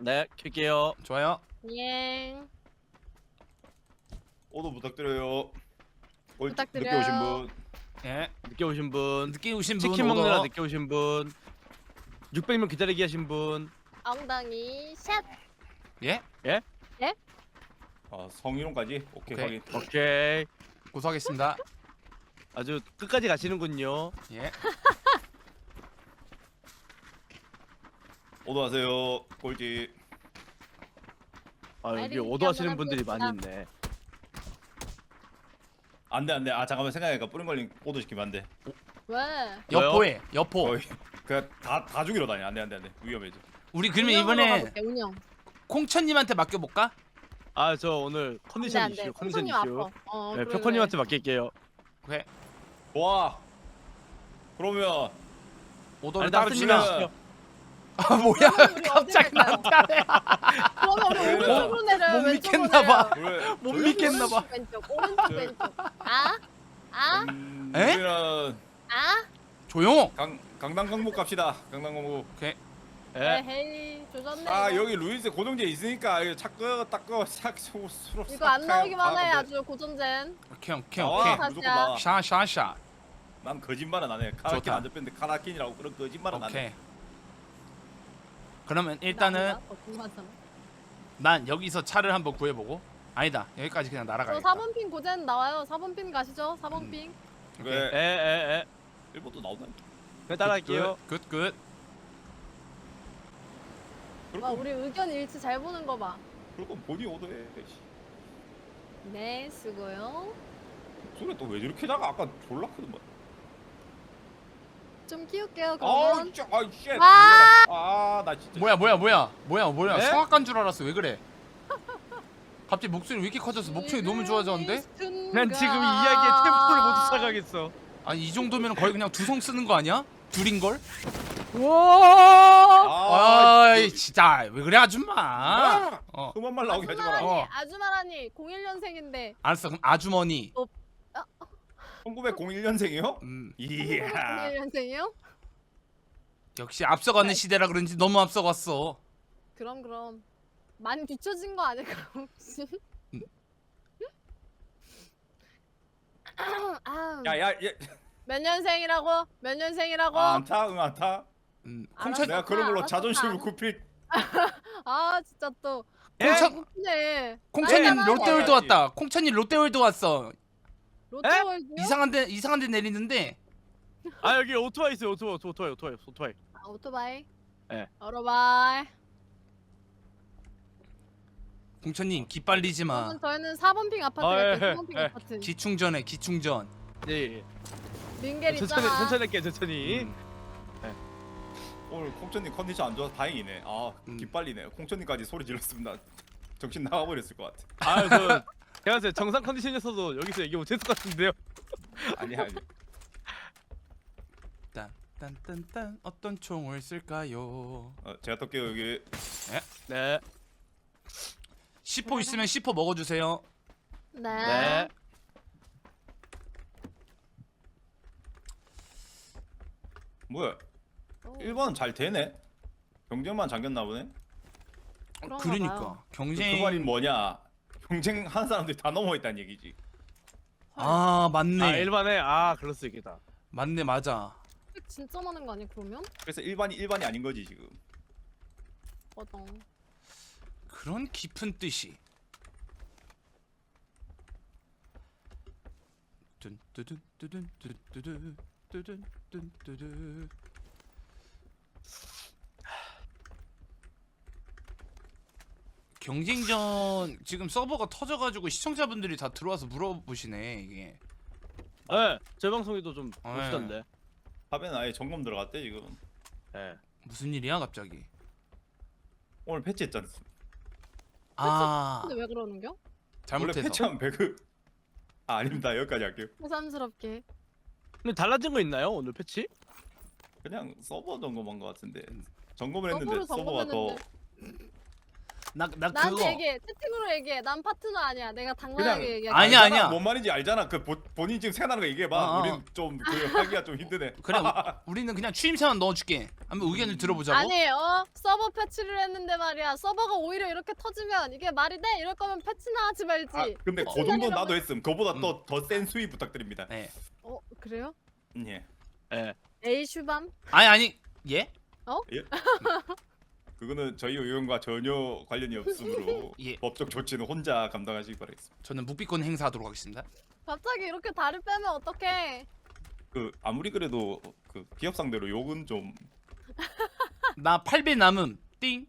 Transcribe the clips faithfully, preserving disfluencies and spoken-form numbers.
네, 켤게요. 좋아요. 예. 오도 부탁드려요. 올- 부탁드려요. 늦게 오신 분. 예. 늦게 오신 분, 늦게 오신 분 치킨 먹느라 오더. 늦게 오신 분, 육백 명 기다리게 하신 분. 엉덩이 샷. 예? 아, 성희롱까지? 오케이, 오케이. 확인. 오케이. 고소하겠습니다. 아주 끝까지 가시는군요. 예. 오도 하세요. 꼴찌. 아, 여기 아이린 오도하시는 한번 분들이 많이 해봅시다. 있네. 안돼 안돼. 아 잠깐만 생각해니까 뿌린 걸린 오도 시키면 안 돼. 왜? 여포해. 여포. 거의 그냥 다다 죽이러 다녀. 안돼 안돼 안돼. 위험해져. 우리 그러면 운영으로 이번에 가볼게, 운영. 콩천님한테 맡겨볼까? 아, 저 오늘 컨디션 안돼 이슈, 안돼. 컨디션 콩손님 이슈. 아파. 어, 네, 그래, 표코님한테 맡길게요. 그래. 좋아. 그러면 오더를 아니, 따로 따르시면. 치면- 아 뭐야? 그러면 우리 갑자기 어디 갈까요? 나타내. 그러면 우리 오른쪽으로 내려. 못 왼쪽으로 믿겠나봐. 내려. 왜? 못 믿겠나봐. 오른쪽 왼쪽 오른쪽 왼쪽. 아? 아? 음, 에? 우리는 아? 조용. 강 강남 강북 갑시다. 강남 강북. 오케이. 예. 에헤이 조졌네. 아 이거. 여기 루이스 고정제 있으니까 이거 착거 닦거 싹 수로 수로. 이거 안 나오기만 해 아주 고전젠. 오케이 오케이 나와. 오케이. 다- 무조건 나와. 샤샤샤. 난 거짓말은 안 해. 카라킨 좋다. 안 접했는데 카라킨이라고 그런 거짓말은 안 오케이. 해. 그러면 일단은 나 거짓말하잖아. 난 여기서 차를 한번 구해보고. 아니다. 여기까지 그냥 저 날아가겠다. 사 번 핑 고젠 나와요. 사 번 핑 가시죠. 사 번 음. 핑. 예, 그래. 예, 예. 일본도 나오다. 네, 따라갈게요. 굿 굿. 와 우리 의견 일치 잘 보는 거 봐. 그리고 본이 오더해. 네 쓰고요. 소리 또왜 저렇게 작아? 아까 졸라 크더만. 좀 키울게요 아우 그러면. 진짜 아이 쉣. 아! 아나 진짜. 뭐야 뭐야 뭐야 뭐야 뭐야 네? 성악가인 줄 알았어. 왜 그래? 갑자기 목소리 왜 이렇게 커졌어? 목소리 너무 좋아졌는데? 난 지금 이 이야기의 템포를 못 쫓아가겠어. 아니 이 정도면 거의 그냥 두성 쓰는 거 아니야? 둘인 걸? 와! 아이 진짜 왜 그래 아줌마? 아, 어 그만 말 나오게 하지 마라. 어. 아주마라니 공일 년생인데 알았어 그럼 아주머니. 천구백일 년생이요? 음 이야. 공일 년생이요? 역시 앞서가는 시대라 그런지 너무 앞서갔어. 그럼 그럼 많이 뒤처진 거 아닐까 혹시? 음. 아, 야야 야. 몇 년생이라고? 몇 년생이라고? 아, 안타? 응 안타? 음 알았어. 콩천 내가 그런 걸로 알았어, 자존심을 알았어. 굽힐. 아 진짜 또 콩천 네. 콩천님 알잖아. 롯데월드 왔다. 콩천님 롯데월드 왔어. 롯데월드요? 이상한데 이상한데 내리는데. 아, 여기 오토바이 있어요. 오토바이, 오토바이, 오토바이, 오토바이. 아, 오토바이. 네. 오토바이. 콩천님 기빨리지 마. 그러면 저희는 사 번 핑 아파트 아, 갈게요. 예, 사 번 핑 예. 아파트. 기충전에 기충전. 예, 예. 링겔 천천히, 있잖아. 천천히 할게요, 천천히. 음. 오늘 콩천님 컨디션 안 좋아서 다행이네. 아 음. 기빨리네. 콩천님까지 소리 질렀으면 나 정신 나가버렸을 것 같아. 아, 저 제가 봤을 때 정상 컨디션이었어도 여기서 얘기 못했을 것 같은데요. 아니야 아니야. 딴딴딴딴 어떤 총을 쓸까요? 어, 제가 떨게요 여기. 네. 씨포 있으면 씨포 먹어주세요. 네. 네. 뭐야? 오, 일 번은 잘 되네. 경쟁만 잠겼나 보네. 그런가 그러니까 봐요. 그 경쟁. 말이 뭐냐? 경쟁하는 사람들이 다 넘어 있다는 얘기지. 아 맞네. 아, 일반에 아, 그럴 수 있겠다. 맞네 맞아. 팩 진짜 많은 거 아니야 그러면? 그래서 일반이 일반이 아닌 거지 지금. 맞아. 그런 깊은 뜻이. 뚠뚜둔 뚜둔 뚜두두 뚜둔 뚠뚜두. 경쟁전 지금 서버가 터져가지고 시청자분들이 다 들어와서 물어보시네 이게. 네, 제 방송에도 좀 네. 보시던데. 탑에는 아예 점검 들어갔대 지금. 네. 무슨 일이야 갑자기? 오늘 패치했잖아. 아 근데 왜 그러는겨? 원래 잘못해서. 패치하면 배그. 아 아닙니다 여기까지 할게요. 새삼스럽게. 근데 달라진 거 있나요? 오늘 패치? 그냥 서버 점검한 것 같은데. 점검을 했는데 서버를 서버가 더 점검했는데. 나 나 나한테 그거 얘기해. 채팅으로 얘기해. 난 파트너 아니야. 내가 그냥 당당하게 얘기해. 아니야, 알잖아. 아니야. 뭔 말인지 알잖아. 그 보, 본인 지금 생각나는 거 얘기해봐. 어, 어. 우린 좀 그 하기가 좀 힘드네. 그래 우- 우리는 그냥 추임새만 넣어줄게. 한번 의견을 들어보자고. 아니 어 서버 패치를 했는데 말이야. 서버가 오히려 이렇게 터지면 이게 말이 돼? 이럴 거면 패치나 하지 말지. 아 근데 그 정도 나도 했음. 그보다 음. 더 더 센 수위 부탁드립니다. 네. 어 그래요? 예. 예. 에이 슈밤? 아니 아니 예? 그거는 저희 의원과 전혀 관련이 없으므로 예. 법적 조치는 혼자 감당하시기 바라겠습니다. 저는 묵비권 행사하도록 하겠습니다. 갑자기 이렇게 다리 빼면 어떡해? 그 아무리 그래도 그 기업 상대로 욕은 좀 난 나 팔 배 남음. 띵.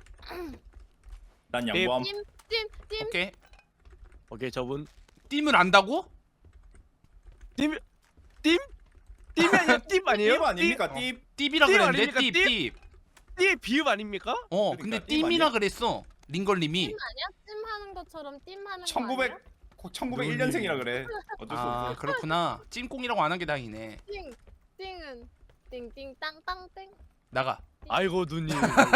양보함. 찜찜찜 오케이. 오케이 저분 띵을 안다고? 띠 띠? 띠이 아니야 띠 아니에요? 띠 아닙니까? 띠. 띠비라 띠 그랬는데 아닙니까? 띠 띠? 띠. 띠의 비읍 아닙니까? 어 그러니까 근데 띠 띠미라 아니야? 그랬어. 링걸님이. 찜 아니야? 찜 하는 것처럼 띵 하는 거 천구백 아니야? 천구백일 년생이라 그래. 어쩔 수 아 없어. 그렇구나. 찜꽁이라고 안 한 게 다행이네. 띵 띵은 띵띵 땅땅땡. 나가. 아이고 누님.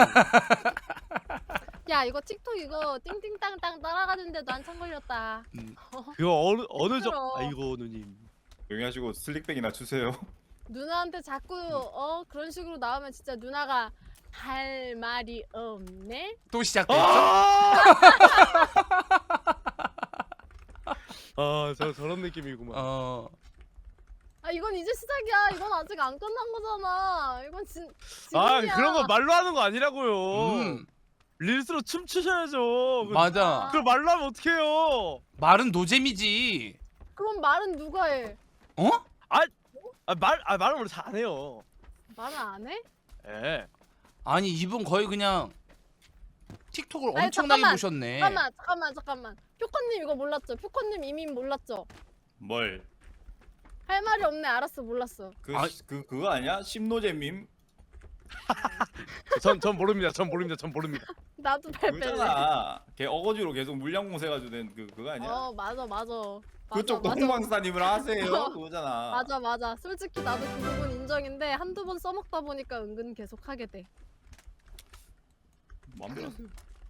야 이거 틱톡 이거 띵띵땅땅 따라가는데도 한참 걸렸다. 음. 그거 어느 어느 정 시끄러워. 아이고 누님. 조용히 하시고 슬릭백이나 주세요. 누나한테 자꾸 어 그런 식으로 나오면 진짜 누나가 할 말이 없네. 또 시작됐죠? 아! 아, 저 저런 느낌이구만. 어. 아 이건 이제 시작이야. 이건 아직 안 끝난 거잖아. 이건 진 아, 지금이야. 그런 거 말로 하는 거 아니라고요. 음. 릴스로 춤추셔야죠. 그- 맞아. 그걸 말로 하면 어떡해요? 말은 노잼이지. 그럼 말은 누가 해? 어? 아, 말, 아, 말은 원래 잘 안 해요. 말은 안 해? 예. 아니 이분 거의 그냥 틱톡을 아니, 엄청나게 잠깐만, 보셨네. 잠깐만 잠깐만 잠깐만. 표코님 이거 몰랐죠? 표코님 이미 몰랐죠? 뭘? 할 말이 없네. 알았어 몰랐어. 그, 아. 그 그거 아니야? 심노잼임? 전, 전 모릅니다. 전 모릅니다. 전 모릅니다. 나도 발 뺄래. 그거잖아. 걔 어거지로 계속 물량 공세가지고 된 그 그거 아니야? 어 맞아 맞아. 맞아, 그쪽도 맞아. 홍방사님을 하세요. 어. 그거잖아. 맞아 맞아. 솔직히 나도 그 부분 인정인데 한두 번 써먹다 보니까 은근 계속 하게 돼. 마음대로 하세요.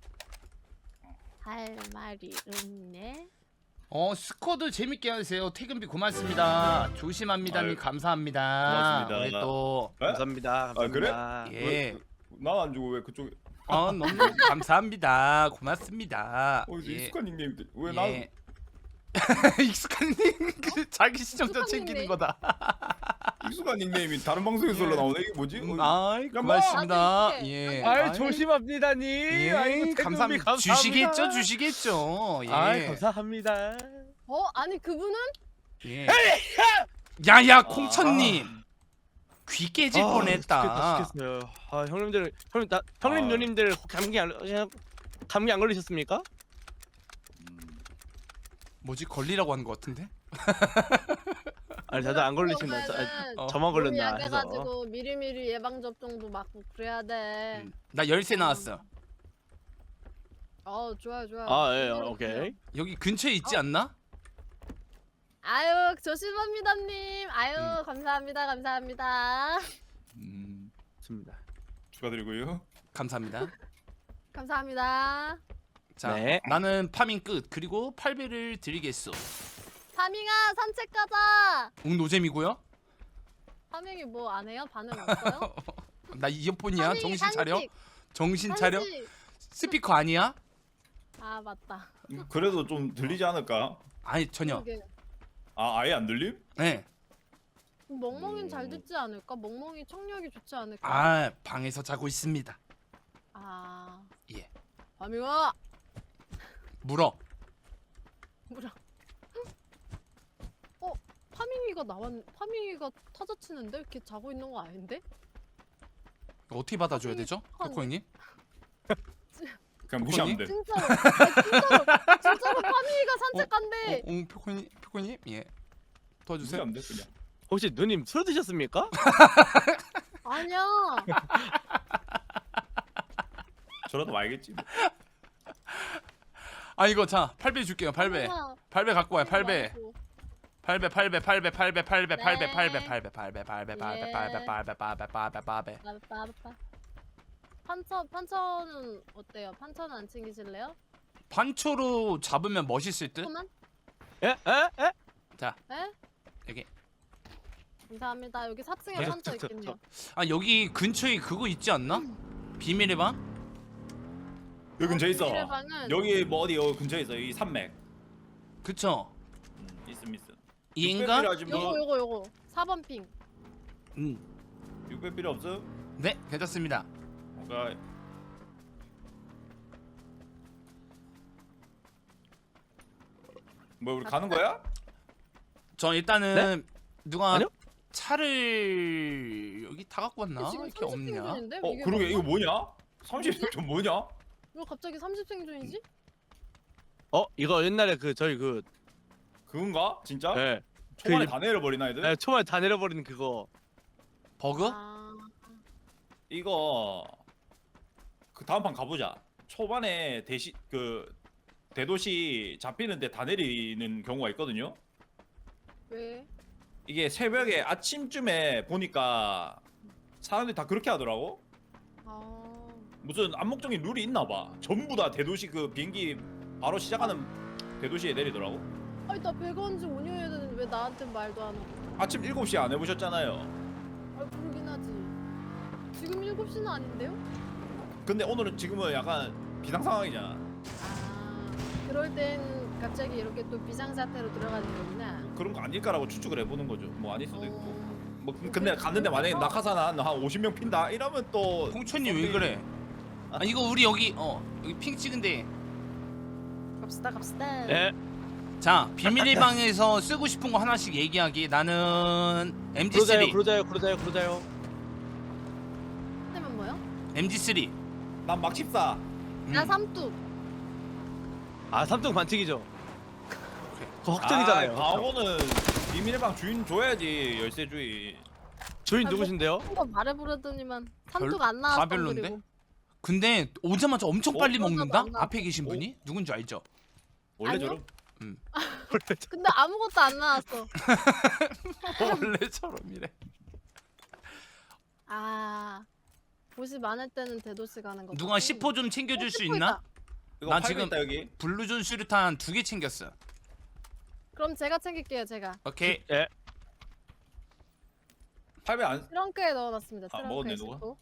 할 말이 없네. 어 스쿼드 재밌게 하세요. 퇴근비 고맙습니다. 조심합니다님 아유, 감사합니다. 고맙습니다. 우리 또 에? 감사합니다. 감사합니다. 아, 그래? 예. 나안 주고 왜 그쪽에? 어 너무 감사합니다. 고맙습니다. 어 이제 예. 익숙한 닉네임 왜 나? 예. 익숙한 그 자기 시청자 익숙한 챙기는 닉네임? 거다. 익숙한 닉네임이 다른 방송에서 예. 나오네. 이게 뭐지? 음, 어, 아이 뭐? 고맙습니다. 나도 예. 익숙해. 아이, 아이, 조심합니다님. 예. 아이고, 퇴근비 감사합니다. 감사합니다. 주시겠죠, 주시겠죠. 예. 아이, 감사합니다. 어 아니 그분은 예. 야야 아. 콩천님 귀 깨질 아, 뻔했다. 죽겠다, 죽겠어요. 아, 형님들, 형님, 나, 형님 아. 누님들 감기 안 감기 안 걸리셨습니까? 음, 뭐지 걸리라고 한 것 같은데? 아니, 다들 안 걸리시나? 저, 그러면은 어. 저만 걸렸나 해서. 약해가지고 미리미리 예방 접종도 맞고 그래야 돼. 음, 나 열쇠 나왔어. 어 좋아요 좋아요. 아, 예, 그대로 오케이. 그래요. 여기 근처에 있지 않나? 아유 조심합니다님. 아유 음. 감사합니다 감사합니다. 음, 좋습니다. 축하드리고요. 감사합니다. 감사합니다. 자, 네. 나는 파밍 끝. 그리고 팔 배를 드리겠소. 파밍아 산책 가자. 응 노잼이고요. 파밍이 뭐 안 해요? 반응 없어요? 나 이어폰이야. 파밍이 정신 차려. 산책, 정신 차려. 산책. 스피커 아니야? 아 맞다. 그래도 좀 들리지 않을까? 아니 전혀. 그러게. 아 아예 안 들림? 네. 멍멍이는 잘 음. 듣지 않을까? 멍멍이 청력이 좋지 않을까? 아 방에서 자고 있습니다. 아. 예. 파밍아 물어. 뭐라? 어 파밍이가 나왔. 파밍이가 타자 치는데 걔 자고 있는 거 아닌데? 어떻게 받아줘야 파밍이 되죠, 착하네. 코코이님? 그냥 무시하면 돼. 진짜로. 아, 진짜로. 진짜로 파밍이가 산책 간대. 어, 응 코코이님, 코코이님, 예. 도와주세요. 무시하면 돼 그냥. 혹시 누님 술 드셨습니까? 아니야. 저라도 알겠지. 뭐. 아 이거 자 팔 배 줄게요. 팔 배. 파밍아, 팔 배 갖고 와요. 팔 배. 말고. 팔 배, 팔 배, 팔 배, 팔 배, 팔 배, 팔 배, 네. 팔 배, 팔 배, 팔 배, 팔 배, 팔 배, 팔 배, 팔 배, 팔 배, 팔 배, 팔 배. 빠바빠바. 판처 판처는 어때요? 판처는 안 챙기실래요? 판초로 잡으면 멋있을 듯? 조금만? 에? 에? 에? 에? 여기. 감사합니다. 여기 사 층에 네, 판처 저, 저, 있겠네요. 아 여기 근처에 그거 있지 않나? 비밀의 방? 여기 근처에 있어. 비밀의 방은 여기 뭐 어디 여기 근처에 있어. 여기 산맥. 그쵸? 음, 있음 있음. 이인가? 육백 필요하지 요거 뭐. 요거 요거 사 번 핑. 음. 육백 필요 없어? 네 괜찮습니다. 오케이. 뭐 우리 가는 거야? 저 일단은 누가 아니요? 차를 여기 다 갖고 왔나? 지금 이렇게 삼십 없냐? 생존인데? 어 이게 그러게 이거 뭐야? 뭐냐? 삼십 점 뭐냐? 왜 갑자기 삼십 생존이지? 어 이거 옛날에 그 저희 그 그건가? 진짜? 예. 초반에 그- 다 내려버리나 애들? 예, 초반에 다 내려버리는 그거. 버그? 아, 이거 그 다음 판 가보자. 초반에 대시 그 대도시 잡히는데 다 내리는 경우가 있거든요. 왜? 이게 새벽에 아침쯤에 보니까 사람들이 다 그렇게 하더라고. 아, 무슨 암묵적인 룰이 있나 봐. 전부 다 대도시 그 비행기 바로 시작하는 대도시에 내리더라고. 아니 나 배가 온지 오 년이 됐는데 왜 나한테 말도 안 하고? 아침 일곱 시에 안 해보셨잖아요. 아 그러긴 하지. 지금 일곱 시는 아닌데요? 근데 오늘은 지금은 약간 비상 상황이잖아. 아, 그럴 땐 갑자기 이렇게 또 비상사태로 들어가는 거구나. 그런 거 아닐까라고 추측을 해보는 거죠. 뭐 아닐 수도 있고. 어, 뭐 근데 갔는데 만약에 낙하산 한, 한 오십 명 핀다 이러면 또 홍천님 왜 그래? 아 이거 우리 여기 어 여기 핑 찍은데 갑시다 갑시다. 예. 자 비밀의 방에서 쓰고 싶은 거 하나씩 얘기하기. 나는 엠지 그러자요, 쓰리 그러자요, 그러자요, 그러자요. 그러면 뭐요? 엠지 쓰리 난 막십사. 음. 나 삼뚝. 아 삼등 반칙이죠. 그거 확정이잖아요. 아, 광호는 비밀의 방 주인 줘야지 열쇠 주인. 주인 아, 누구신데요? 한번 말해보려더니만 별- 삼뚝 안 다 나왔어. 별론데? 그리고 근데 오자마자 엄청 빨리 어, 먹는다? 안 나와. 앞에 계신 분이? 누군지 알죠? 원래 아니요? 저럼. 근데 아무것도 안 나왔어. 원래처럼이래. 아, 보시 많을 때는 대도시 가는 거. 누가 십 호 좀 챙겨줄 수 십 호 있나? 있다. 이거 난 팔고 지금- 있다 여기. 블루존 수류탄 두 개 챙겼어. 그럼 제가 챙길게요. 제가 오케이. 예. 팔배 안. 트렁크에 넣어놨습니다. 아, 트렁크에 먹었네, 누가? 싣고.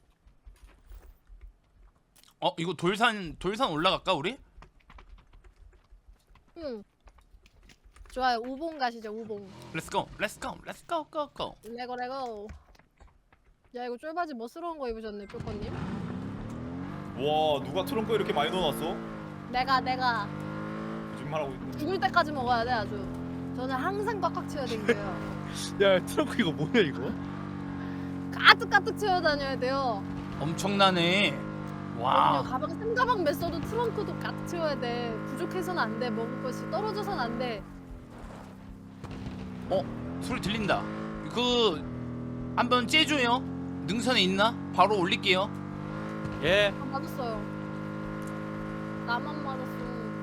어 이거 돌산 돌산 올라갈까 우리? 응. 좋아요. 우봉 가시죠. 우봉. 렛츠고 렛츠고 렛츠고 고고. 레고 레고. 야 이거 쫄바지 멋스러운 거 입으셨네, 뾰커님. 와 누가 트렁크에 이렇게 많이 넣어놨어? 내가 내가 거짓말하고 있네. 죽을 때까지 먹어야 돼 아주. 저는 항상 꽉꽉 채워 댕겨요. 야 트렁크 이거 뭐냐 이거? 가득 가득 채워 다녀야 돼요. 엄청나네. 그럼요. 와. 가방 삼 가방 맸어도 트렁크도 가득 채워야 돼. 부족해서는 안 돼. 먹을 것이 떨어져서는 안 돼. 어 소리 들린다. 그 한번 째줘요. 능선에 있나? 바로 올릴게요. 예. 아, 맞았어요. 나만 맞았어.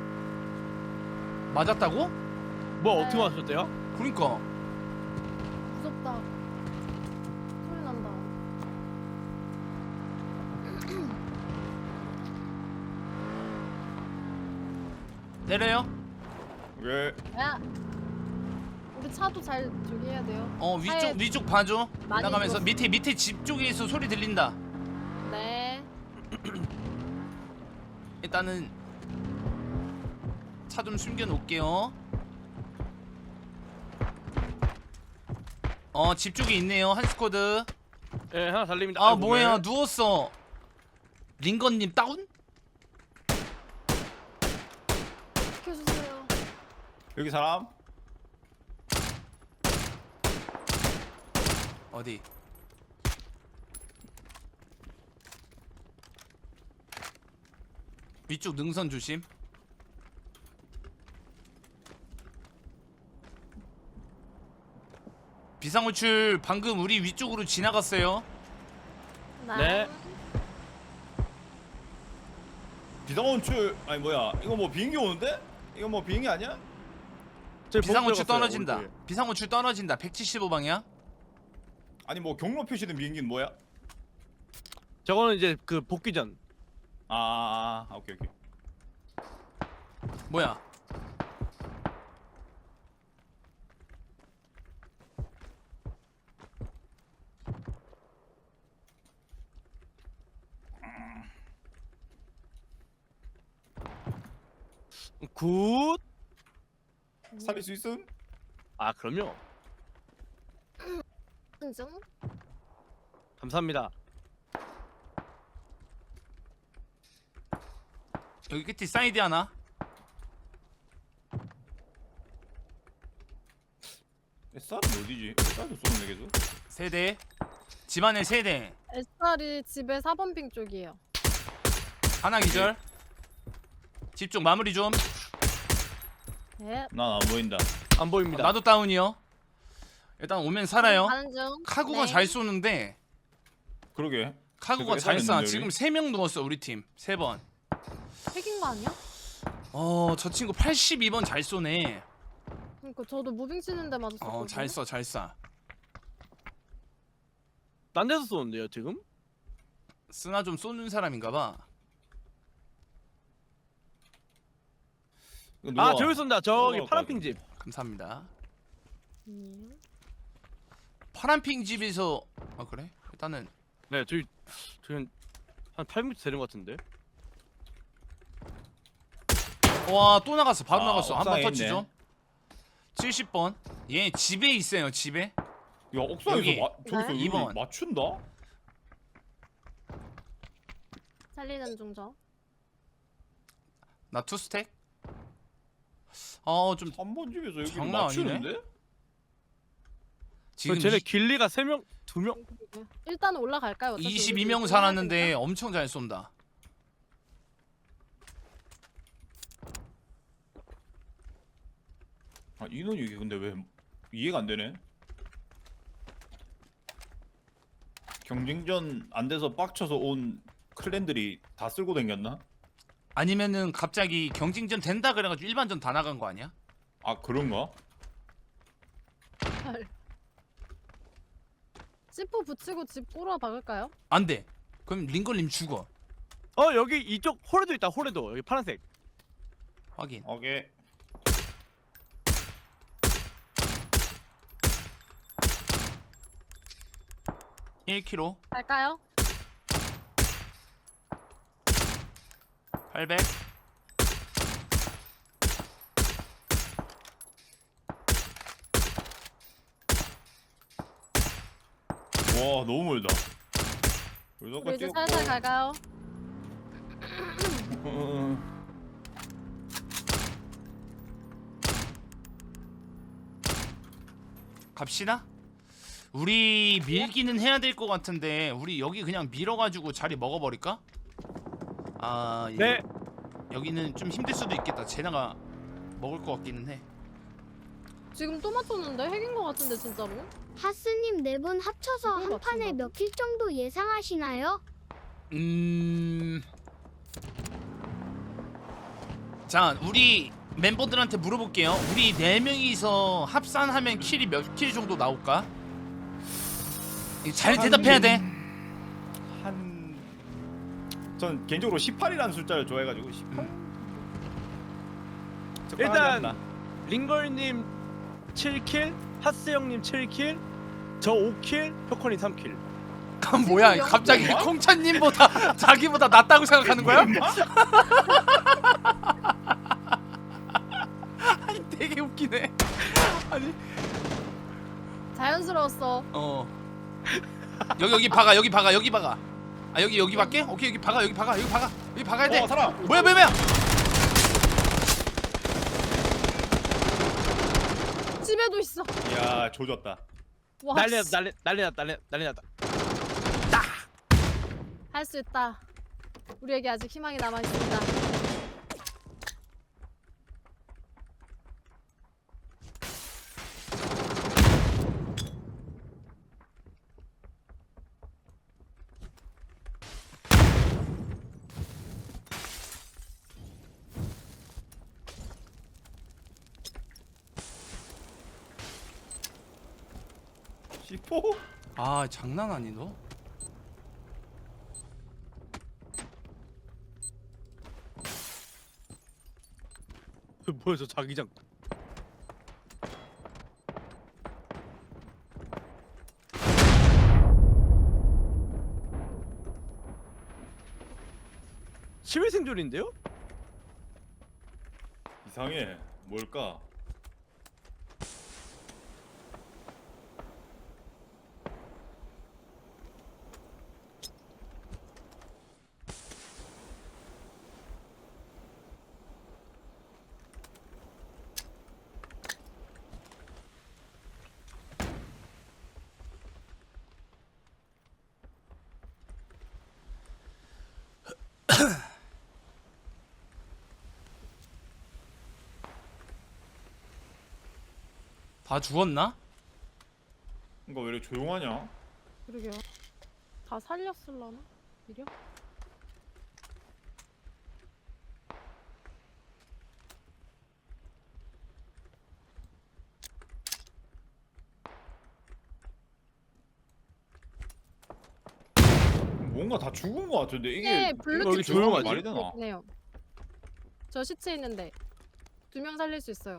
맞았다고? 뭐 네. 어떻게 맞으셨대요? 그러니까. 무섭다. 소리 난다. 내려요. 왜? 야, 우리 차도 잘 저기 해야 돼요. 어 위쪽 차에 위쪽 봐줘. 많이 나가면서 들었어. 밑에 밑에 집 쪽에서 소리 들린다. 네. 일단은 차 좀 숨겨 놓을게요. 어 집 쪽에 있네요 한 스쿼드. 예 하나 달립니다. 아 아이고, 뭐야 왜? 누웠어. 링건님 다운? 지켜주세요. 여기 사람? 어디? 위쪽 능선 조심. 비상호출 방금 우리 위쪽으로 지나갔어요. 네. 비상호출 아니 뭐야? 이거 뭐 비행기 오는데? 이거 뭐 비행기 아니야? 저희 비상호출 보고 들어갔어요, 떨어진다. 오른쪽에. 비상호출 떨어진다. 백칠십오 방향. 아니 뭐 경로 표시된 비행기는 뭐야? 저거는 이제 그 복귀 전. 아, 아, 아 오케이 오케이. 뭐야? 굿. 살릴 수 있음? 아 그럼요. 인증. 감사합니다. 여기 끝에 사이드 하나. 에스알은 어디지? 에스알도 쏘는 계속. 세대. 집안에 세대. 에스알이 집에 사 번 핑 쪽이에요. 하나 기절. 집 쪽 마무리 좀. 네. 난안 보인다. 안 보입니다. 나도 다운이요. 일단 오면 살아요. 가는 중. 카구가 네. 잘 쏘는데 그러게. 카구가 그래도 잘 쏴. 애살했는데, 지금 우리? 세 명 누웠어 우리 팀. 세 번. 핵인 거 아니야? 어, 저 친구 팔십이 번 잘 쏘네. 그러니까 저도 무빙 치는데 맞았었거든요. 어, 잘 쏴, 잘 쏴. 딴 데서 쏘는데요 지금? 쓰나 좀 쏘는 사람인가 봐. 이거 아 누가- 저기 쏜다. 저기 누가 파란핑 집. 감사합니다. 음. 파란핑 집에서 아 그래? 일단은 네 저기 저기 한 팔 미터 되는 것 같은데. 와, 또 나갔어. 바로 아, 나갔어. 한 번 옥상에 터치 있네. 좀. 칠십 번. 얘 집에 있어요, 집에. 야 옥상에서 여기. 마, 저기서 네. 여기 이 번. 맞춘다? 살리는 중 저. 나 투스택. 어, 좀 삼 번 집에서 여기 장난 맞추는데? 지금 쟤네 이, 길리가 세 명, 두 명. 일단 올라갈까요? 어차피 이십이 우리 명 우리 살았는데 해야 엄청 잘 쏜다. 아 인원이 이게 근데 왜 이해가 안 되네? 경쟁전 안 돼서 빡쳐서 온 클랜들이 다 쓸고 댕겼나? 아니면은 갑자기 경쟁전 된다 그래가지고 일반전 다 나간 거 아니야? 아 그런가? 되니까. 씨포 붙이고 집 꼬라 박을까요? 안 돼. 그럼 링걸님 죽어. 어 여기 이쪽 홀에도 있다. 홀에도 여기 파란색. 확인. 오케이. 일 킬로미터. 갈까요? 팔백. 와 너무 멀다. 우리 여기까지 이제 찍었고. 살살 갈까요? 어, 갑시다. 우리 밀기는 해야 될 것 같은데 우리 여기 그냥 밀어가지고 자리 먹어버릴까? 아 예. 네. 여기는 좀 힘들 수도 있겠다. 제나가 먹을 것 같기는 해. 지금 또 맞췄는데 핵인 거 같은데 진짜로? 하스님 네 분 합쳐서 이걸 한 판에 맞춘다고? 몇 킬 정도 예상하시나요? 음. 자, 우리 멤버들한테 물어볼게요. 우리 네 명이서 합산하면 킬이 몇 킬 정도 나올까? 이거 잘 대답해야 돼. 한... 전 개인적으로 십팔이라는 숫자를 좋아해가지고 십팔? 일단 링걸님 칠 킬, 하스 형님 칠 킬, 저 오 킬, 표커님 삼 킬. 그럼 뭐야? 갑자기 콩찬님보다 자기보다 낫다고 생각하는 거야? 아니 되게 웃기네. 아니 자연스러웠어. 어 여기 여기 박아 여기 박아 여기 박아. 아 여기 여기 박게? 오케이 여기 박아 여기 박아 여기 박아 여기 박아야 돼. 어 살아! 뭐야 뭐야 뭐야? 집에도 있어. 이야 조졌다. 와, 난리 났다. 난리 난리 났다. 난리 난리 났다. 할 수 있다. 우리에게 아직 희망이 남아 있습니다. 십오? 아 장난 아니 너? 뭐야 저 자기장. 시외 생존인데요? 이상해. 뭘까? 다 죽었나? 이거 왜 이렇게 조용하냐? 그러게요. 다 살렸을라나? 이려? 뭔가 다 죽은 거 같은데 이게 네, 여기 블루칩 조용하지? 말이 되나? 네요. 저 시체 있는데 두 명 살릴 수 있어요.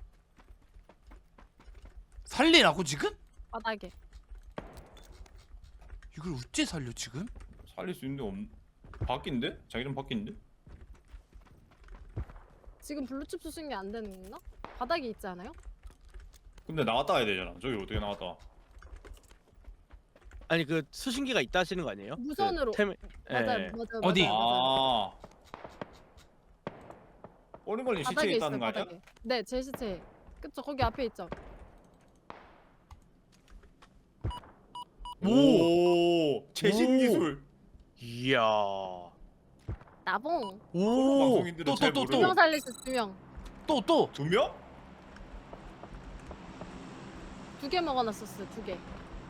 살리라고 지금? 바닥에. 이걸 어째 살려 지금? 살릴 수 있는데 없... 바뀐데? 자기장 바뀐데? 지금 블루칩 쏘신 게 안 되는 건가? 바닥에 있지 않아요? 근데 나갔다 와야 되잖아. 저기 어떻게 나갔다 와? 아니 그 수신기가 있다 하시는 거 아니에요? 무선으로. 그 템... 맞아요, 예. 맞아요. 어디? 맞아요, 맞아요. 아. 어린걸린 바닥에 시체에 있어요, 있다는 거 아니야? 바닥에. 네, 제 시체. 그쵸, 거기 앞에 있죠. 오, 최신 오. 기술. 이야. 나봉. 오. 방송인들은 또, 잘 또, 또, 두 또. 명 모르는. 살릴 수 있어, 두 명. 또 또. 두 명? 두 개 먹어놨었어요, 두 개.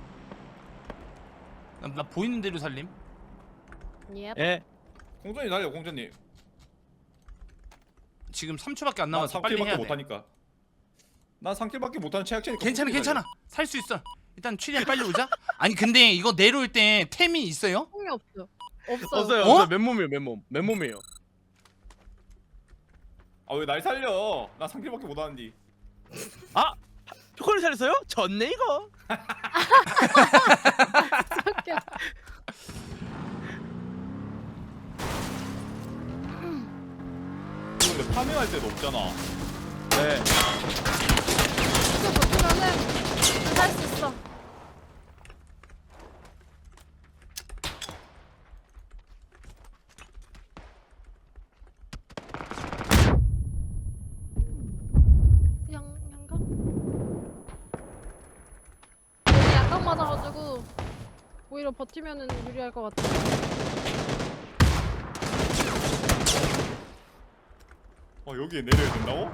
나, 나 보이는 대로 살림. 예. 예. 공전이 날려, 공전님. 지금 삼 초밖에 안 난 남았어. 빨리 해야 삼킬밖에 돼. 못하니까. 난 삼킬밖에 못하는 최악체니까. 괜찮아 괜찮아. 살 수 있어. 일단 최대한 빨리 오자. 아니 근데 이거 내려올 때 템이 있어요? 통이 없어. 없어요. 없어요. 어? 없어요. 맨몸이에요. 맨몸. 맨몸이에요. 아 왜 날 살려? 나 삼킬밖에 못하는디. 아! 표코를 살렸어요? 졌네 이거. 웃겨. 근데 파밍할 때도 없잖아. 네. 이거 버티면은 살 수 있어. 양 양각? 여기 양각 맞아가지고 오히려 버티면은 유리할 것 같아. 어 여기에 내려야 된다고?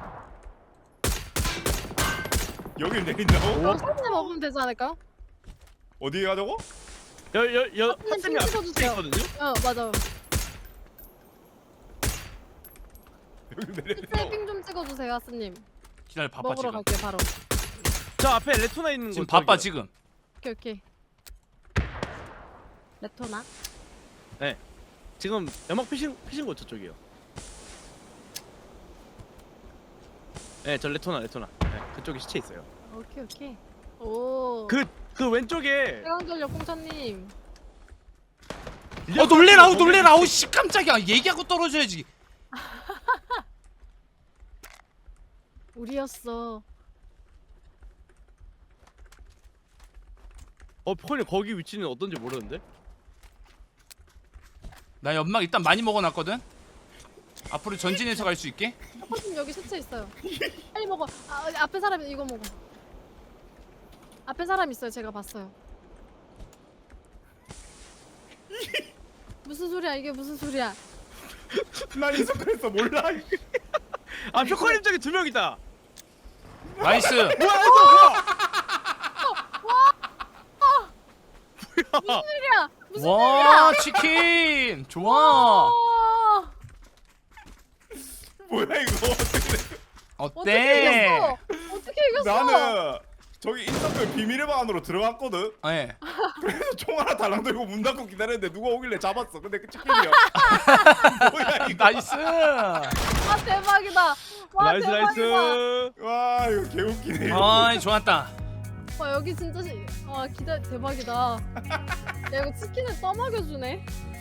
여길 내린다고? 그럼 사진 먹으면 되지 않을까요? 어디에 가자고? 여여여 하트님 하트님 앞에 찍어주세요. 있거든요. 어 맞아. 여길 내려야 된다고? 세이핑 좀 찍어주세요, 하스님. 기다려 바빠 먹으러 지금. 갈게요 바로. 저 앞에 레토나 있는 지금 곳 바빠 저기요. 지금. 오케이 오케이. 레토나? 지금 연막 피신 피신 곳 저쪽이요. 네, 저 레토나 레토나. 네, 그쪽에 시체 있어요. 오케이 오케이. 오. 그 그 왼쪽에 최강전력 공차님. 어 놀래라 아우 놀래라 아우 씨 깜짝이야. 얘기하고 떨어져야지. 우리였어. 어 표코님 거기 위치는 어떤지 모르는데. 나 연막 일단 많이 먹어놨거든. 앞으로 전진해서 갈 수 있게. 하스님 여기 시체 있어요. 빨리 먹어. 아 앞에 사람 이거 먹어. 앞에 사람 있어요. 제가 봤어요. 무슨 소리야 이게 무슨 소리야? 난 인석그랬어 몰라. 아 표코님 저기 두 명 있다. 나이스. 뭐야 이거 뭐야? 소리야 무슨 와 치킨 좋아. 어, 뭐야 이거? 어떻게 어때? 이겼어? 어떻게 이겼어? 나는 저기 인터뷰 비밀의 방 안으로 들어갔거든. 예. 그래서 총 하나 달랑 들고 문 닫고 기다렸는데 누가 오길래 잡았어. 근데 그 치킨이야. 뭐야 이거. 나이스. 와 대박이다. 와 나이스 대박이다. 나이스. 와 이거 개웃기네. 이거. 아이 좋았다. 와 여기 진짜 시... 와 기다 대박이다. 야 이거 치킨을 떠먹여주네.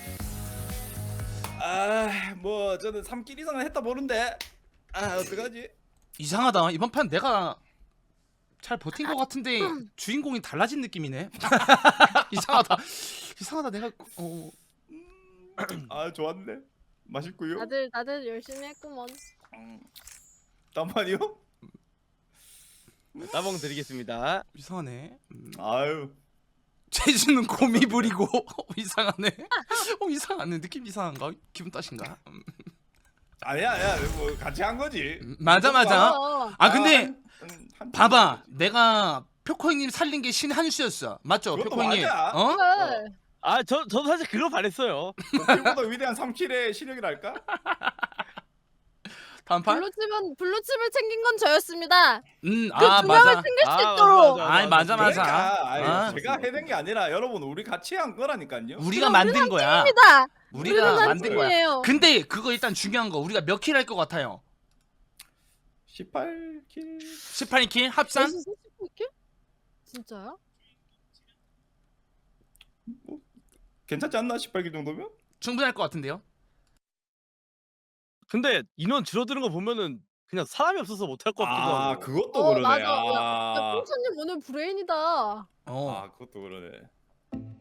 아뭐 저는 삼 킬 이상은 했다 보는데. 아 어떡하지? 이상하다. 이번 판 내가 잘 버틴 것 같은데 주인공이 달라진 느낌이네. 이상하다. 이상하다. 내가 어 아 좋았네. 맛있고요. 다들 다들 열심히 했구먼. 잠깐만요. 따봉 드리겠습니다. 이상하네. 음. 아유. 재주는 곰이 부리고 어, 이상하네. 어 이상하네. 느낌 이상한가? 기분 탓인가? 음. 아니야 아니야 뭐 같이 한 거지. 음, 맞아 맞아. 어. 아 근데 한- 한- 한 봐봐. 내가 표코 형님 살린 게 신 한 수였어. 맞죠? 그것도 표코 형님. 맞아. 어? 그래. 아 저 저도 사실 그거 바랬어요. 도끼보다 위대한 삼 킬의 실력이랄까? 다음 판? 블루칩은 블루칩을 챙긴 건 저였습니다. 음, 그 아 두 명을 맞아. 챙길 수 아, 있도록. 맞아, 아이 맞아 맞아. 그러니까 아이, 아, 제가 해낸 게 아니라 여러분 우리 같이 한 거라니까요. 우리가 만든 거야. 입니다. 우리가 우리는 만든 거야. 팀이에요. 근데 그거 일단 중요한 거 우리가 몇 킬 할 것 같아요? 십팔 킬. 십팔 킬 합산? 벌써 사십구 킬? 진짜요? 괜찮지 않나? 십팔 킬 정도면? 충분할 것 같은데요? 근데 인원 줄어드는 거 보면은 그냥 사람이 없어서 못할 것 같기도 아 하고. 그것도 어 그러네. 맞아. 야, 야 아, 뽕차님 오늘 브레인이다. 어. 아 그것도 그러네.